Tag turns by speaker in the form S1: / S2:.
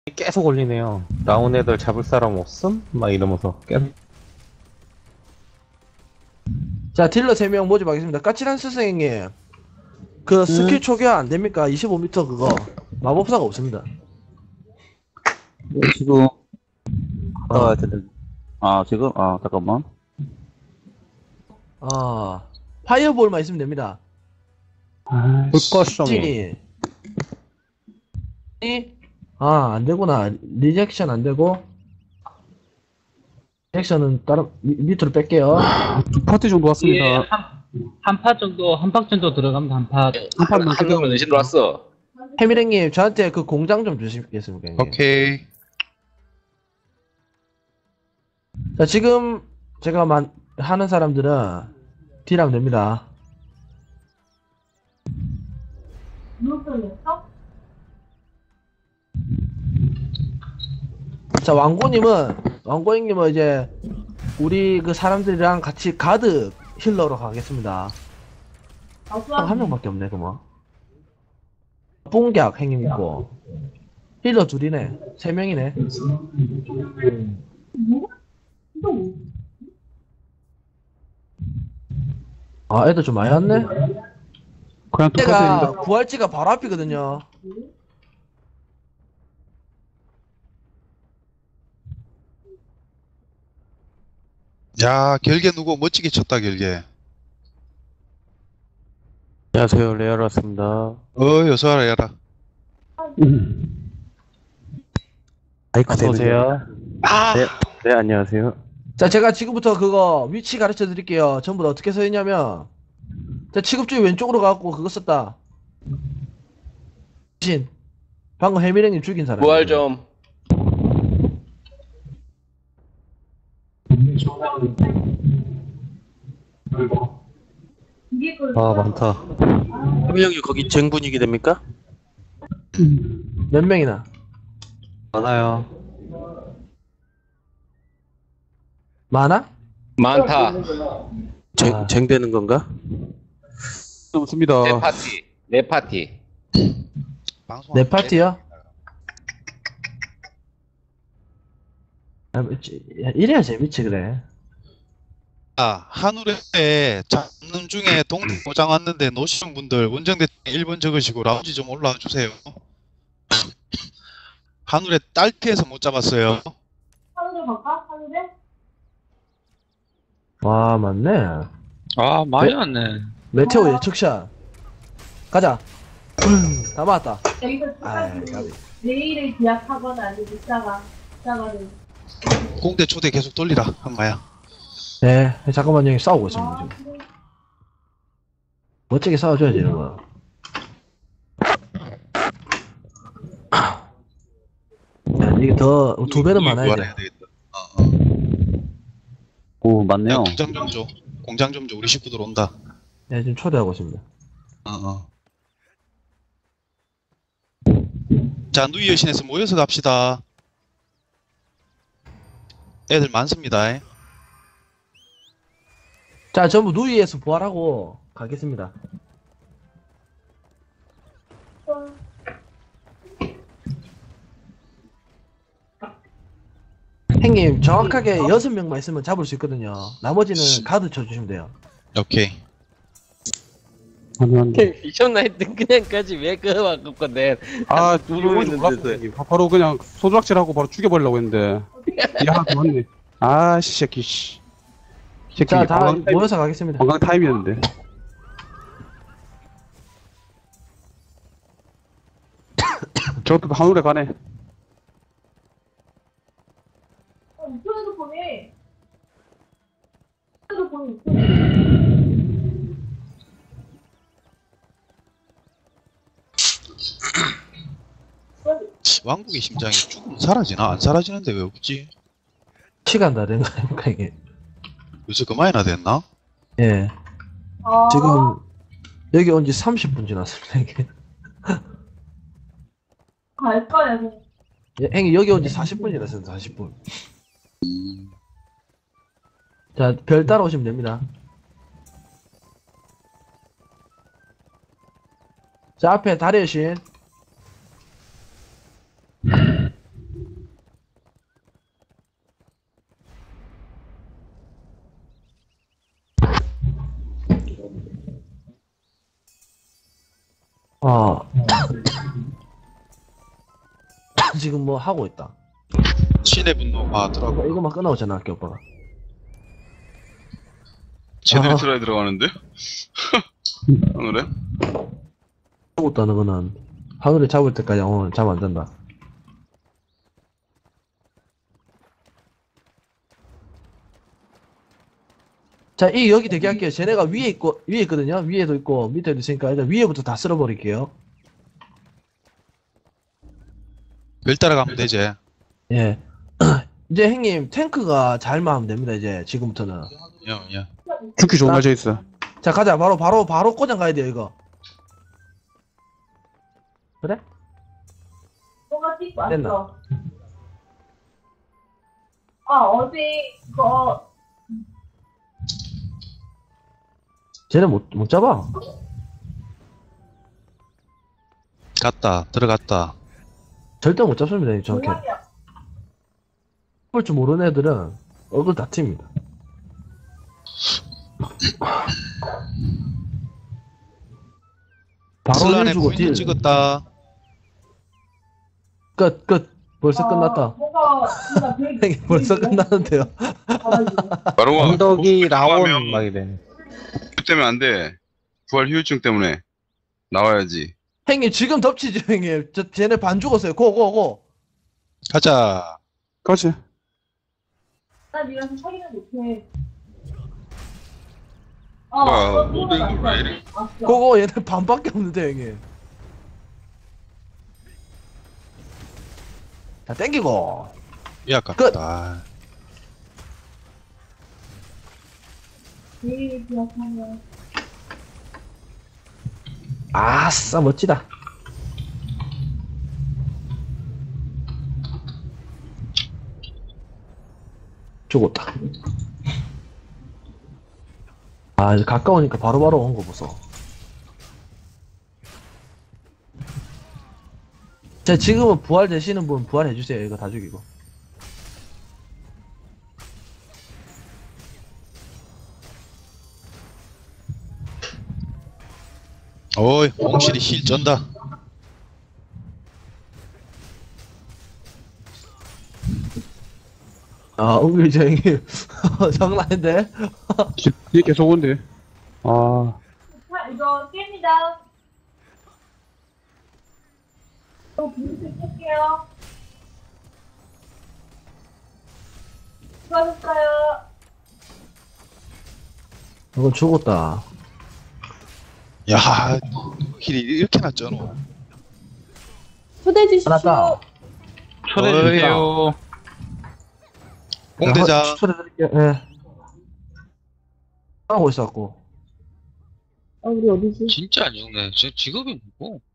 S1: 계속 올리네요. 나온 애들 잡을 사람 없음? 막 이러면서 계속.
S2: 자, 딜러 3명 모집하겠습니다. 까칠한 스승님, 그 스킬 초기화 안 됩니까? 25m 그거. 마법사가 없습니다.
S3: 네, 지금 갔다 와야
S2: 어.
S3: 되는. 아, 지금? 아, 잠깐만.
S2: 아, 파이어볼만 있으면 됩니다.
S1: 불꽃송이.
S2: 찐이. 아, 안 되구나. 리젝션 안 되고. 리젝션은 다른, 밑으로 뺄게요.
S4: 두 파티 정도
S5: 예,
S4: 왔습니다.
S5: 한 팍 정도 들어갑니다, 한 팍.
S4: 한 판만
S6: 한 놈은 내신 들어왔어.
S2: 해미랭님, 저한테 그 공장 좀 주시겠습니까? 형님?
S6: 오케이.
S2: 자, 지금 제가 하는 사람들은 딜하면 됩니다. 자, 왕고님은 이제 우리 그 사람들이랑 같이 가드 힐러로 가겠습니다. 한 명밖에 없네, 그만. 뽕격 행님 있고 힐러 둘이네, 3명이네. 아, 애들 좀 많이 왔네.
S4: 그냥 두
S2: 내가
S4: 파티입니다.
S2: 부활지가 바로 앞이거든요.
S6: 야, 결계 누구 멋지게 쳤다, 결계.
S1: 안녕하세요. 레알 왔습니다.
S6: 여서 와라, 야라.
S3: 마이크
S1: 어서오세요.
S6: 아!
S1: 네, 안녕하세요.
S2: 자, 제가 지금부터 그거 위치 가르쳐 드릴게요. 전부 다 어떻게 서 있냐면, 자, 취급주의 왼쪽으로 가갖고 그거 썼다. 신. 방금 해미랭님 죽인 사람.
S6: 부활 좀.
S1: 아, 많다.
S3: 해명이 거기 쟁분위기 됩니까?
S2: 몇 명이나?
S1: 많아요.
S2: 많아?
S6: 많다.
S3: 쟁되는 건가?
S4: 없습니다.
S6: 내 파티. 내 파티.
S2: 내 파티요? 이래야 재밌지, 그래.
S6: 아, 하늘에 잡는 중에 동포장 왔는데 노시는 분들 원정대 1번 적으시고 라운지 좀 올라와 주세요. 하늘에 딸피해서 못 잡았어요.
S7: 하늘을 갈까? 하늘에?
S2: 와, 맞네.
S5: 아, 많이 왔네.
S2: 메테오 예측샷. 가자. 다 맞았다.
S7: 여기서
S2: 아이,
S7: 끝까지
S2: 가비.
S7: 내일을 기약하거나 아니면 이따가는
S6: 공대 초대 계속 돌리라, 한마야.
S2: 네, 잠깐만, 형님 싸우고 있습니다, 지금. 멋지게 싸워줘야지, 이런 거. 야, 이게 더, 2배는 많아야 돼.
S6: 부활해야 되겠다.
S3: 오,
S6: 야,
S3: 맞네요.
S6: 공장 좀 줘. 공장 좀 줘. 우리 식구들 온다.
S2: 네, 지금 초대하고 있습니다.
S6: 자, 누이 여신에서 모여서 갑시다. 애들 많습니다.
S2: 자, 전부 누이에서 부활하고 가겠습니다. 형님, 정확하게 6명만 있으면 잡을 수 있거든요. 나머지는 가드 쳐주시면 돼요.
S6: 오케이.
S8: 미쳤나 했던 그냥까지 왜 그거 바꿀 건데.
S4: 아,
S8: 누르고
S4: 이거
S8: 있는데.
S4: 바로 그냥 소주락질하고 바로 죽여버리려고 했는데. 이 하나 더 왔네. 아, 씨, 새끼, 씨. 새끼,
S2: 자, 다
S4: 관광 타임,
S2: 모여서 가겠습니다.
S4: 관광 타임이었는데. 저것도 하늘에 가네.
S7: 우편에도 보내. 우편에도 보내. 우편에.
S6: 왕국의 심장이 죽으면 사라지나? 안 사라지는데 왜 없지?
S2: 시간 다 된 거 아닙니까, 이게?
S6: 요새 그만이나 됐나?
S2: 예.
S7: 아,
S2: 지금, 여기 온 지 30분 지났습니다, 이게.
S7: 갈 거야.
S2: 예, 형님, 여기 온 지 40분 지났습니다, 40분. 자, 별 따라오시면 됩니다. 자, 앞에 다리 여신. 지금 뭐 하고 있다.
S6: 신의 분노 하더라고.
S2: 이거만 끝나고 전화할게, 오빠가.
S9: 제대로
S2: 아.
S9: 틀어야 들어가는데? 오늘은?
S2: 죽었다는 거는 하늘에 잡을 때까지 오늘 잠 안 잔다. 자, 여기 대기할게요. 쟤네가 위에 있거든요. 위에도 있고, 밑에도 있으니까 일단 위에부터 다 쓸어버릴게요.
S6: 별 따라가면 되지.
S2: 예. 이제 형님, 탱크가 잘만 하면 됩니다, 이제, 지금부터는.
S6: 야.
S4: 죽기 좋은 날져 있어.
S2: 자, 가자. 바로 고장 가야 돼요, 이거. 그래?
S7: 뭐가 찍고
S2: 됐나?
S7: 왔어. 어제 그거
S2: 쟤네 못 잡아.
S6: 들어갔다.
S2: 절대 못 잡습니다, 형님, 정확히.
S7: 뭐야?
S2: 볼 줄 모르는 애들은 얼굴 다 튑니다. 바로
S6: 슬란에
S2: 1주고
S6: 부인을
S2: 딜.
S6: 찍었다.
S2: 끝. 벌써 끝났다.
S7: 뭔가 진짜
S2: 형님, 벌써 끝났는데요.
S9: 바로 와.
S1: 언덕이 라온
S9: 구하면
S1: 막 이래.
S9: 때문에 안 돼. 부활 휴유증 때문에 나와야지.
S2: 형님, 지금 덮치죠, 형님. 쟤네 반 죽었어요. 고.
S6: 가자.
S4: 가지.
S7: 나 니랑 사귀는 못해.
S9: 뭐야, 모든 거 왜 이래?
S2: 고고, 얘네 반밖에 없는데, 형님. 자, 땡기고.
S6: 야, 아깝다.
S7: 제일 기억하면
S2: 아싸, 멋지다. 죽었다. 이제 가까우니까 바로바로 온 거 보소. 자, 지금은 부활 되시는 분 부활해주세요. 이거 다 죽이고.
S6: 어이, 홍실이 힐 쩐다.
S2: 은근히 저 형님, 장난 아닌데?
S4: 뒤에 계속 온대. 아,
S7: 이거 깹니다. 또 분수 깰게요. 수고하셨어요.
S2: 이건 죽었다.
S6: 야, 힐이 이렇게나 쩌노.
S7: 초대해 주십시오.
S2: 하나다.
S5: 초대해 주세요.
S6: 홍대장.
S2: 추천해드릴게요. 예. 하고 있었고.
S7: 우리 어디지?
S5: 진짜 안 죽네. 저 직업이 뭐고?